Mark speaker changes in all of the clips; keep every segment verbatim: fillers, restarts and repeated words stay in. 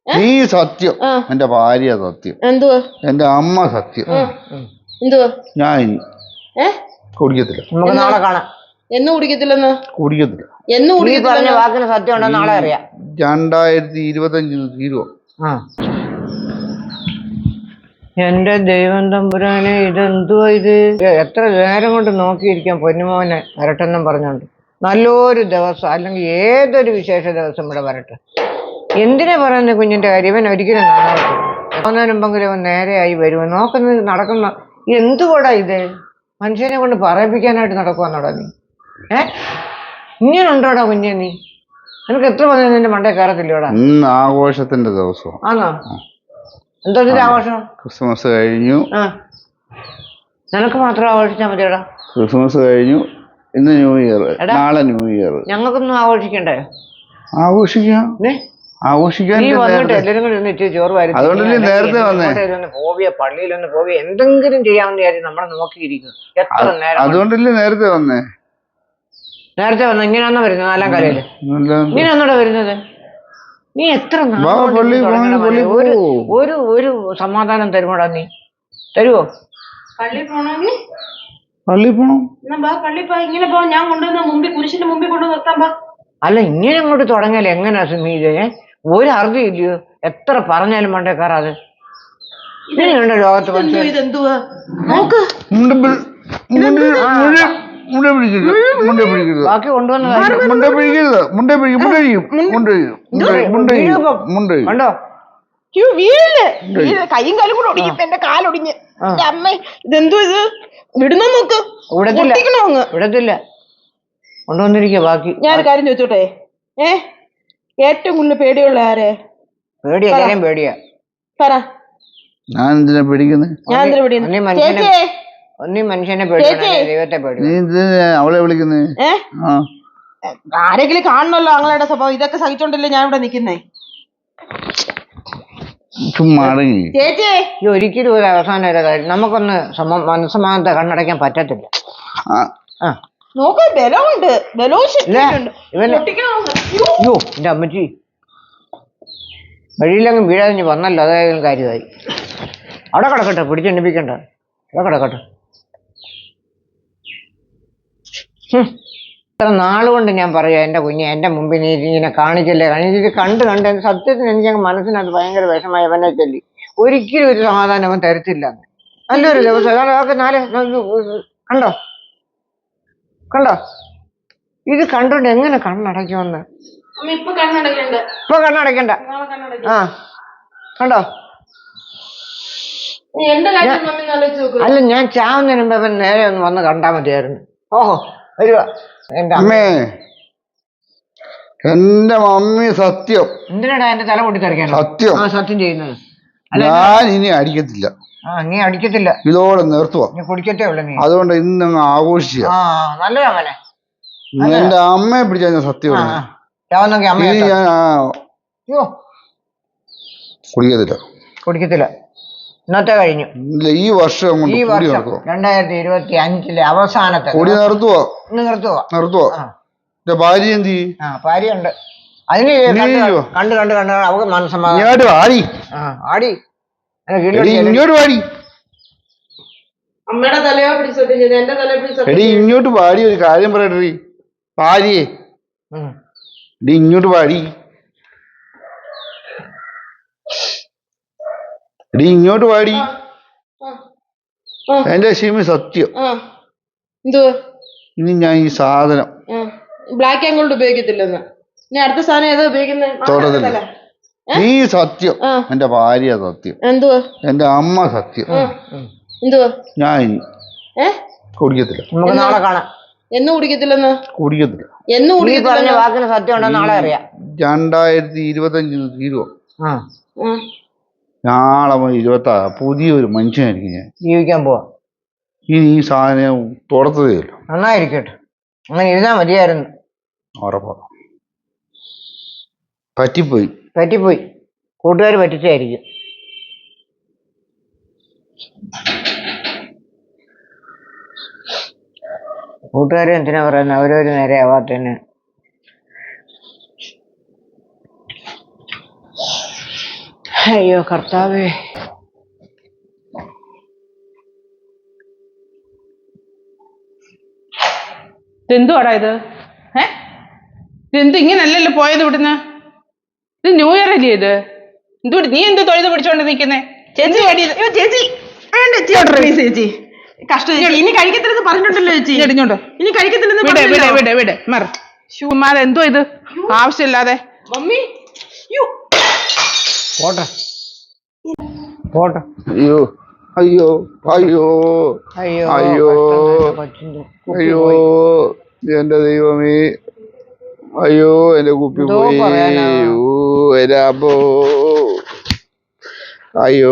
Speaker 1: നീ സത്യം, എന്റെ ഭാര്യ സത്യം,
Speaker 2: എന്തുവാ
Speaker 1: എന്റെ അമ്മ സത്യം.
Speaker 2: എന്തുവാ?
Speaker 1: ഞാൻ കുടിക്കത്തില്ല.
Speaker 3: നമുക്ക് നാളെ കാണാം.
Speaker 2: എന്ന് കുടിക്കത്തില്ലെന്ന്?
Speaker 1: കുടിക്കത്തില്ല.
Speaker 2: എന്ന് കുടിക്കത്തില്ല.
Speaker 3: വാക്കിന് സത്യം ഉണ്ടോ നാളെ അറിയാം.
Speaker 1: രണ്ടായിരത്തി ഇരുപത്തി അഞ്ചിന് തീരുവോ?
Speaker 3: എന്റെ ദൈവം തമ്പുരാനെ, ഇതെന്തുവാ ഇത്? എത്ര നേരം കൊണ്ട് നോക്കിയിരിക്കാം പൊന്നുമോനെ വരട്ടെന്നും പറഞ്ഞോണ്ട്. നല്ലൊരു ദിവസം അല്ലെങ്കിൽ ഏതൊരു വിശേഷ ദിവസം ഇവിടെ വരട്ടെ. എന്തിനാ പറയുന്നത് കുഞ്ഞിന്റെ കാര്യം? ഇവൻ ഒരിക്കലും നന്നാവത്തില്ല. മുമ്പെങ്കിലും അവൻ നേരെയായി വരുമോ നോക്കുന്നത് നടക്കുന്ന എന്തുകൂടാ ഇത്? മനുഷ്യനെ കൊണ്ട് പറയിപ്പിക്കാനായിട്ട് നടക്കുവാന്നോടാ നീ? ഏ ഇങ്ങനെ ഉണ്ടോടാ കുഞ്ഞെ നീ? നിനക്ക് എത്ര പറഞ്ഞാൽ നിന്റെ മണ്ടേ കയറത്തില്ലോടാ?
Speaker 1: ഇന്ന് ആഘോഷത്തിന്റെ ദിവസം
Speaker 3: ആണോ? എന്തോ ആഘോഷം?
Speaker 1: ക്രിസ്മസ് കഴിഞ്ഞു.
Speaker 3: ആ നിനക്ക് മാത്രം ആഘോഷിച്ചാൽ മതിയോടാ.
Speaker 1: ക്രിസ്മസ് കഴിഞ്ഞു, ഇന്ന് ന്യൂ ഇയർ, നാളെ ന്യൂ ഇയർ.
Speaker 3: ഞങ്ങൾക്കൊന്നും ആഘോഷിക്കണ്ടേ?
Speaker 1: ആഘോഷിക്കാം, ആഘോഷിക്കാൻ. അതുകൊണ്ടല്ലേ നേരത്തെ വന്നേ.
Speaker 3: പോവിയ പള്ളിയിലൊന്ന് പോവിയ എന്തെങ്കിലും ചെയ്യാമെന്ന് വിചാരിച്ചു നമ്മളെ നോക്കിയിരിക്കും. എത്ര നേരം
Speaker 1: അതുകൊണ്ടല്ലേ നേരത്തെ വന്നേ.
Speaker 3: നേരത്തെ വന്ന ഇങ്ങനെയാണോ വരുന്നത്? നാലാം കരയില് ഇങ്ങനെയാണോടാ വരുന്നത്? നീ എത്ര ഒരു ഒരു ഒരു സമാധാനം തരുമോടാ നീ? തരുവോ?
Speaker 2: പള്ളി പോണെങ്കിൽ
Speaker 1: പള്ളി പോണം.
Speaker 2: പള്ളി പോ, ഇങ്ങനെ പോ. ഞാൻ കൊണ്ടുവന്ന മുമ്പിൽ കുരിശിന്റെ മുമ്പിൽ കൊണ്ടു നിർത്താൻ പാ.
Speaker 3: അല്ല ഇങ്ങനെ അങ്ങോട്ട് തുടങ്ങിയാലേ എങ്ങനെയാ സുമീത്? ഒരു അർത്ഥം ഇല്ലയോ? എത്ര പറഞ്ഞാലും മണ്ടേ കയറാതെ. ഇങ്ങനെയുണ്ട് ലോകത്ത് മനുഷ്യൻ. ബാക്കി കൊണ്ടുവന്ന കണ്ടോ?
Speaker 2: കൈയും കാലും കൂടെ ഒടിഞ്ഞു, എന്റെ കാലൊടിഞ്ഞ്. അമ്മ ഇതെന്തോ ഇത്? വിടുന്ന നോക്ക്.
Speaker 3: വിടത്തില്ല, കൊണ്ടുവന്നിരിക്കുക ബാക്കി.
Speaker 2: ഞാൻ കാര്യം ചോദിച്ചോട്ടെ, ഏ ഏറ്റവും കൂടുതൽ പേടിയുള്ള ആരെ?
Speaker 3: പേടിയാ, എല്ലാരും പേടിയാ.
Speaker 2: പറ.
Speaker 1: ഞാൻ എന്തിനാ പേടിക്കുന്നത്?
Speaker 2: ഞാൻ എന്തിനാ പേടിക്കുന്നത്?
Speaker 3: ഒന്നീ മനുഷ്യനെ പേടിയാ, ദൈവത്തെ പേടിയാ.
Speaker 1: അവളെ വിളിക്കുന്നേ?
Speaker 2: ആരെങ്കിലും കാണണല്ലോ അങ്ങളുടെ സ്വഭാവം. ഇതൊക്കെ സഹിച്ചോണ്ടല്ലേ ഞാൻ ഇവിടെ നിക്കുന്നേ. ചേച്ചി
Speaker 3: ഒരിക്കലും ഒരു അവസാനം ഒരു കാര്യം നമുക്കൊന്ന് മനസ്സമാനത്തെ കണ്ണടയ്ക്കാൻ പറ്റത്തില്ല.
Speaker 2: നോക്ക്, ബലമുണ്ട്, ബലവും.
Speaker 3: അയ്യോ എന്റെ അമ്മച്ചി, വഴിയിലങ്ങ് വീഴാതെ വന്നല്ലോ, അതായാലും കാര്യമായി. അവിടെ കിടക്കട്ടെ, പിടിച്ചെണ്ണിപ്പിക്കണ്ട, അവിടെ കിടക്കട്ടെ. ഇത്ര നാളുകൊണ്ട് ഞാൻ പറയാം എൻ്റെ കുഞ്ഞെ, എൻ്റെ മുമ്പിൽ നീ ഇങ്ങനെ കാണിക്കല്ലേ കാണിച്ചിട്ട് കണ്ട് കണ്ട് എൻ്റെ സത്യത്തിന് എനിക്ക് മനസ്സിനകത്ത് ഭയങ്കര വിഷമായി. അവനെ ചൊല്ലി ഒരിക്കലും ഒരു സമാധാനം അവൻ തരത്തില്ല. നല്ലൊരു ദിവസം അതൊക്കെ നാല് കണ്ടോ കണ്ടോ ഇത് കണ്ടോണ്ട് എങ്ങനെ കണ്ണടയ്ക്കുമെന്ന്?
Speaker 2: ഇപ്പൊ കണ്ണടയ്ക്കണ്ട,
Speaker 3: ഇപ്പൊ കണ്ണടയ്ക്കണ്ട. ആ കണ്ടോ? അല്ല ഞാൻ ചാവുന്നതിന് മുമ്പ് അവൻ നേരെ ഒന്ന് വന്ന് കണ്ടാൽ മതിയായിരുന്നു. ഓഹോ വരുക എന്റെ
Speaker 1: അമ്മേ, എന്റെ മമ്മി സത്യം.
Speaker 3: എന്തിനാടാ എന്റെ തല പൊട്ടിത്തെറിക്കാൻ?
Speaker 1: സത്യം.
Speaker 3: ആ സത്യം ചെയ്യുന്നത്.
Speaker 1: ഞാൻ ഇനി അടിക്കത്തില്ല.
Speaker 3: ആ നീ അടിക്കത്തില്ല,
Speaker 1: ഇതോടെ നിർത്തുക.
Speaker 3: നീ കുടിക്കത്തേ ഉള്ളു നീ.
Speaker 1: അതുകൊണ്ട് ഇന്ന് ആഘോഷിക്കുക.
Speaker 3: ആ നല്ലതാ മോനെ.
Speaker 1: എന്റെ അമ്മയെ പിടിച്ചാൽ ഞാൻ സത്യം കുടിക്കത്തില്ല,
Speaker 3: കുടിക്കത്തില്ല. ഇന്നത്തെ കഴിഞ്ഞു.
Speaker 1: ഈ വർഷം
Speaker 3: ഈ വർഷം രണ്ടായിരത്തി ഇരുപത്തി അഞ്ചിലെ അവസാനത്തെ
Speaker 1: കൊടി നിർത്തുവോ?
Speaker 3: നിർത്തുവോ?
Speaker 1: നിർത്തുവോ? ഭാര്യ എന്ത് ചെയ്യും?
Speaker 3: ആ ഭാര്യയുണ്ട്. അതിന് കണ്ട് കണ്ട് കണ്ട് അവക്ക് മനസ്സമാധാനം.
Speaker 1: ആടി
Speaker 3: ആ ആടി
Speaker 1: ഇങ്ങോട്ട് പാടി.
Speaker 2: അമ്മയുടെ തലയോ പിടിച്ചോട്ടെ, എന്റെ തലയോ പിടിച്ചോട്ടെ.
Speaker 1: എടി ഇങ്ങോട്ട് പാടി, ഒരു കാര്യം പറയട്ടെ ഭാര്യയെ. എടി ഇങ്ങോട്ട് പാടി, എടി ഇങ്ങോട്ട് പാടി. എന്റെ ഷിമി സത്യം. ഇനി ഞാൻ ഈ സാധനം
Speaker 2: ബ്ലാക്ക് ആൻഡ് ഗോൾഡ് ഉപയോഗിക്കത്തില്ലെന്ന്. ഇനി അടുത്ത സാധനം ഏതാ ഉപയോഗിക്കുന്നത്?
Speaker 1: നീ സത്യം, എന്റെ ഭാര്യ സത്യം,
Speaker 2: എന്തുവാ
Speaker 1: എന്റെ അമ്മ സത്യം.
Speaker 2: എന്തുവാ?
Speaker 1: ഞാൻ കുടിക്കത്തില്ല.
Speaker 3: നമുക്ക് നാളെ കാണാം.
Speaker 2: എന്ന് കുടിക്കത്തില്ലെന്ന്?
Speaker 1: കുടിക്കത്തില്ല.
Speaker 2: എന്ന് കുടിക്കത്തില്ല.
Speaker 3: വാക്കിന് സത്യം ഉണ്ടോ നാളെ അറിയാം.
Speaker 1: രണ്ടായിരത്തി ഇരുപത്തി അഞ്ചിന് തീരുവോ? നാളെ ഇരുപത്തി ആറ് പുതിയൊരു മനുഷ്യനായിരിക്കും ഞാൻ.
Speaker 3: ജീവിക്കാൻ പോവാ.
Speaker 1: ഇനി ഈ സാധനം തുറത്തതേ ഇല്ല.
Speaker 3: നന്നായിരിക്കട്ടെ, അങ്ങനെ ഇരുന്നാ മതിയായിരുന്നു.
Speaker 1: ഉറപ്പാ. പറ്റിപ്പോയി
Speaker 3: പറ്റിപ്പോയി കൂട്ടുകാർ പറ്റിച്ചായിരിക്കും. കൂട്ടുകാരെ എന്തിനാ പറയുന്നത്? അവരവര് നേരെ ആവാത്തന്നെ. അയ്യോ കർത്താവേ.
Speaker 4: ഇതെന്തുവാടാ ഇത്? ഏ ഇതെന്ത് ഇങ്ങനല്ലല്ലോ പോയത് ഇവിടുന്ന്? ഇത് ന്യൂ ഇയർ അല്ലേ ഇത്? എന്തുകൊണ്ട് നീ എന്ത് തൊഴുത് പിടിച്ചോണ്ട് നിൽക്കുന്നേ?
Speaker 2: ചേച്ചി അയ്യോ, ചേച്ചി വേണ്ട ചേച്ചി പ്ലീസ് ചേച്ചി. കഷ്ടം ചേച്ചി. ഇനി കഴിക്കത്തില്ലെന്ന് പറഞ്ഞിട്ടുണ്ടല്ലോ ചേച്ചി.
Speaker 4: ഇടിഞ്ഞോണ്ട്
Speaker 2: ഇനി കഴിക്കത്തില്ലെന്ന്
Speaker 4: വിട് വിട്
Speaker 2: പറഞ്ഞല്ലോ.
Speaker 4: വിട് വിട് മറ ശുമാർ എന്തോ ഇത് ആവശ്യമില്ലാതെ.
Speaker 2: മമ്മി യ്യോ.
Speaker 3: പോട്ടെ പോട്ടെ.
Speaker 1: അയ്യോ അയ്യോ അയ്യോ
Speaker 3: അയ്യോ
Speaker 1: അയ്യോ
Speaker 3: കഷ്ടം തന്നെ കൊച്ചിന്റെ കുപ്പി
Speaker 1: അയ്യോ
Speaker 3: പോയി.
Speaker 1: എന്റെ ദൈവമേ, അയ്യോ എന്റെ കുപ്പി
Speaker 3: എന്തോ
Speaker 1: പോയി.
Speaker 3: പറയാനാ?
Speaker 1: ഓ എന്റെ അമ്മോ, അയ്യോ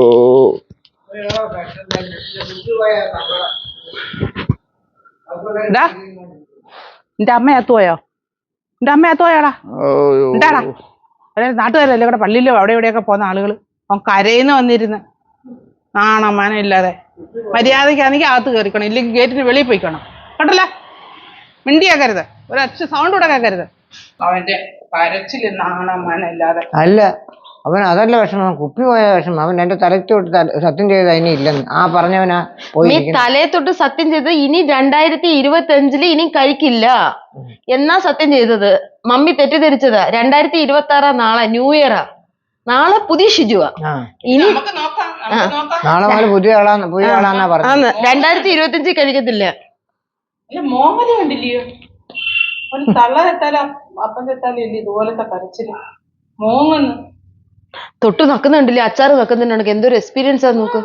Speaker 4: എന്താ എന്റെ അമ്മ അത്തുപോയോ? എന്റെ അമ്മ അത്തുപോയാടാ?
Speaker 1: അയ്യോ.
Speaker 4: എന്താടാ അതായത് നാട്ടുകാരല്ലേ ഇവിടെ പള്ളിയിലോ അവിടെ ഇവിടെയൊക്കെ പോകുന്ന ആളുകൾ അവൻ കരയിന്ന് വന്നിരുന്ന് നാണം മാനം ഇല്ലാതെ. മര്യാദയ്ക്കാണെങ്കിൽ അകത്ത് കയറിക്കണം, ഇല്ലെങ്കിൽ ഗേറ്റിന് വെളിയിൽ പോയിക്കണം. കേട്ടല്ലോ, മിണ്ടിയാക്കരുത്, ഒരൊറ്റ സൗണ്ട് കൂടെ കേൾക്കരുത്. അവന്റെ കരച്ചില് നാണം മാനം ഇല്ലാതെ.
Speaker 3: അല്ല അവൻ അതല്ല വിഷമം, കുപ്പി പോയ വിഷമം. അവൻ എന്റെ തലത്തോട്ട് സത്യം ചെയ്ത് അതിന് ഇല്ലെന്ന് ആ പറഞ്ഞവനാ
Speaker 5: നീ
Speaker 3: പോയി.
Speaker 5: തലയെ തൊട്ട് സത്യം ചെയ്ത് ഇനി രണ്ടായിരത്തി ഇരുപത്തി അഞ്ചില് ഇനി കഴിക്കില്ല എന്നാ സത്യം ചെയ്തത്. മമ്മി തെറ്റിദ്ധരിച്ചതാ. രണ്ടായിരത്തി ഇരുപത്തി ആറാ നാളെ ന്യൂ ഇയറാ. നാളെ പുതിയ ഷിജുവാ. ഇനി
Speaker 4: നമുക്ക് നോക്കാം, നമുക്ക് നോക്കാം.
Speaker 3: നാളെ മുതൽ പുതിയ ആളാന്ന് പുതിയ ആളാന്നാ പറഞ്ഞത്.
Speaker 5: ആന്ന് രണ്ടായിരത്തി ഇരുപത്തി അഞ്ചിൽ കഴിക്കത്തില്ല.
Speaker 4: അല്ല മോഹന കണ്ടില്ലയോ? ഒരു തള്ള തെറ്റാല അപ്പം തെറ്റാലും ഇല്ല ഇതുപോലത്തെ കരച്ചില്. മോങ്ങന്ന്
Speaker 5: തൊട്ട് നക്കുന്നുണ്ടല്ലേ, അച്ചാറ് നക്കുന്നുണ്ടെങ്കിൽ എന്തൊരു എക്സ്പീരിയൻസ് ആ നോക്ക്.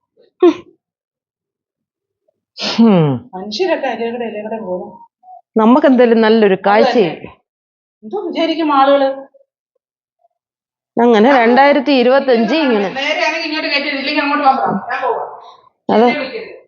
Speaker 3: ഹും.
Speaker 4: മനുഷ്യരൊക്കെ ഇലയുടെ ഇലയുടെ പോകും.
Speaker 5: നമുക്ക് എന്തായാലും നല്ലൊരു കാഴ്ചയും.
Speaker 4: എന്തോ വിചാരിക്കും ആളുകള്.
Speaker 5: അങ്ങനെ രണ്ടായിരത്തി ഇരുപത്തി അഞ്ച് ഇങ്ങനെ
Speaker 4: നേരെയാണെങ്കിൽ ഇങ്ങോട്ട് കയറ്റി ഇല്ലെങ്കിൽ അങ്ങോട്ട് പോകാം. ഞാൻ പോവാം.
Speaker 5: അതെ
Speaker 4: എന്നെ വിളിക്കരുത്.